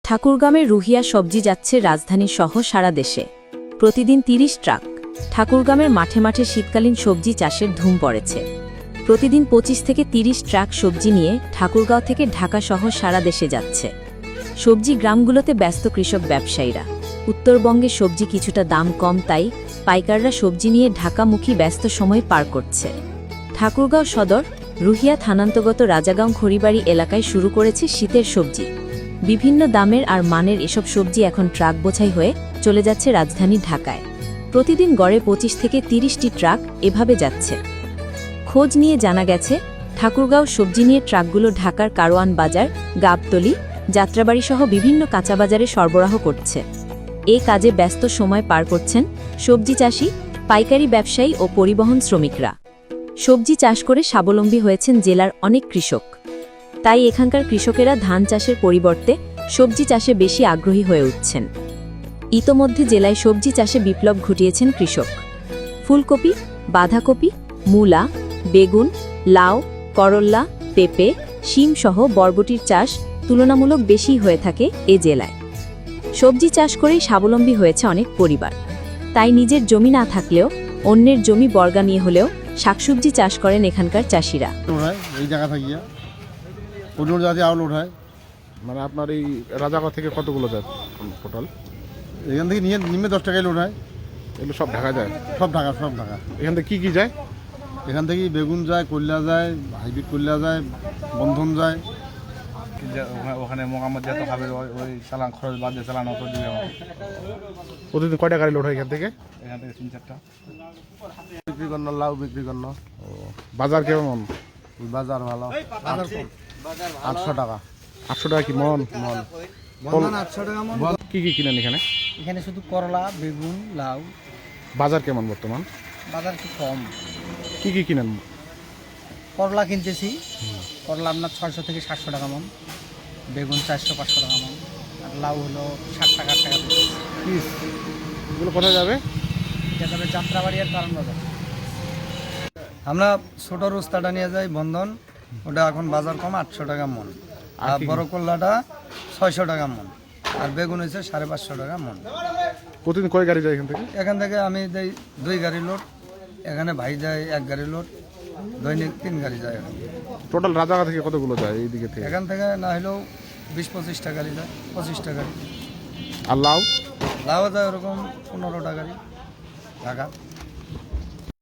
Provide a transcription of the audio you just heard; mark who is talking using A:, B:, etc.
A: ঠাকুরগাঁওয়ের রুহিয়া সবজি যাচ্ছে রাজধানী সহ সারা দেশে। প্রতিদিন ৩০ ট্রাক। ঠাকুরগাঁওয়ের মাঠে মাঠে শীতকালীন সবজি চাষের ধুম পড়েছে। প্রতিদিন ২৫ থেকে ৩০ ট্রাক সবজি নিয়ে ঠাকুরগাঁও থেকে ঢাকা সহ সারা দেশে যাচ্ছে। সবজি গ্রামগুলোতে ব্যস্ত কৃষক ব্যবসায়ীরা। উত্তরবঙ্গে সবজি কিছুটা দাম কম, তাই পাইকাররা সবজি নিয়ে ঢাকামুখী ব্যস্ত সময় পার করছে। ঠাকুরগাঁও সদর রুহিয়া থানান্তর্গত রাজাগাঁও খড়িবাড়ি এলাকায় শুরু করেছে শীতের সবজি। বিভিন্ন দামের আর মানের এসব সবজি এখন ট্রাক বোঝাই হয়ে চলে যাচ্ছে রাজধানী ঢাকায়। প্রতিদিন গড়ে ২৫ থেকে ৩০টি ট্রাক এভাবে যাচ্ছে। খোঁজ নিয়ে জানা গেছে, ঠাকুরগাঁও সবজি নিয়ে ট্রাকগুলো ঢাকার কারওয়ান বাজার, গাবতলী, যাত্রাবাড়ি সহ বিভিন্ন কাঁচাবাজারে সরবরাহ করছে। এ কাজে ব্যস্ত সময় পার করছেন সবজি চাষি, পাইকারি ব্যবসায়ী ও পরিবহন শ্রমিকরা। সবজি চাষ করে স্বাবলম্বী হয়েছেন জেলার অনেক কৃষক। তাই এখানকার কৃষকেরা ধান চাষের পরিবর্তে সবজি চাষে বেশি আগ্রহী হয়ে উঠছেন। ইতোমধ্যে জেলায় সবজি চাষে বিপ্লব ঘটিয়েছেন কৃষক। ফুলকপি, বাঁধাকপি, মূলা, বেগুন, লাউ, করল্লা, পেঁপে, শিম সহ বরবটির চাষ তুলনামূলক বেশি হয়ে থাকে এ জেলায়। সবজি চাষ করেই স্বাবলম্বী হয়েছে অনেক পরিবার। তাই নিজের জমি না থাকলেও অন্যের জমি বর্গা নিয়ে হলেও শাকসবজি চাষ করেন এখানকার চাষিরা।
B: এই জায়গা থাকিয়া অন্য জাতি আউল ওঠায়।
C: মানে আপনার এই রাজাগাঁও থেকে কতগুলো যায় টোটাল?
B: এখান থেকে নিয়ে নিমে 10 টাকায় লোড হয়।
C: এগুলো সব ঢাকা যায়?
B: সব ঢাকা, সব ঢাকা।
C: এখান থেকে কি যায়?
B: এখান থেকে বেগুন যায়, কল্যা যায়, হাইব্রিড কল্যা যায়, বন্ধন যায়।
D: ওখানে মোকাম্মদ যত খাবে ওই চালান খরচ বাদ দিয়ে চালান অত দিবে আমাকে।
C: প্রতিদিন কয়টা গাড়ি লোড হয় এখান থেকে?
D: এখান থেকে ৩-৪টা
B: বিক্রি করল, লাউ বিক্রি করল।
C: বাজার কেমন?
B: বাজার ভালো। বাজার কম, 800 টাকা।
C: 800 টাকা কি মন?
B: মন
E: বন্ধন 800 টাকা মন।
C: কি কি কিনেন এখানে?
E: এখানে শুধু করলা, বেগুন, লাউ।
C: বাজার কেমন বর্তমান?
E: বাজার একটু কম।
C: কি কি কিনেন?
E: করলা কিনতেছি, করলা আপনার 600 থেকে 700 টাকা মন, বেগুন 400-500 টাকা মন, আর লাউ হলো 60 টাকা
C: পিস। এগুলো কোথায় যাবে?
E: এটা তবে যাত্রাবাড়ি আর কারণ বাজার। আমরা ছোট রোস্তাটা নিয়ে যাই বন্ধন, ওটা এখন বাজার কম 800 টাকা মন। আর বড় করলাটা 600 টাকা মন, আর বেগুন হয়েছে 550 টাকা মন।
C: প্রতিদিন কয় গাড়ি যায় এখান থেকে?
E: এখান থেকে আমি দেই 2 গাড়ি লোড, এখানে ভাই যায় 1 গাড়ি লোড, দৈনিক 3 গাড়ি যায়। এখান থেকে
C: টোটাল রাজাগাঁও থেকে কতগুলো যায় এই দিকে থেকে?
E: এখান থেকে না হলেও 20-25টা গাড়ি যায়, 25টা গাড়ি।
C: আর লাউ?
E: লাউ যায় ওরকম 15টা গাড়ি ঢাকা।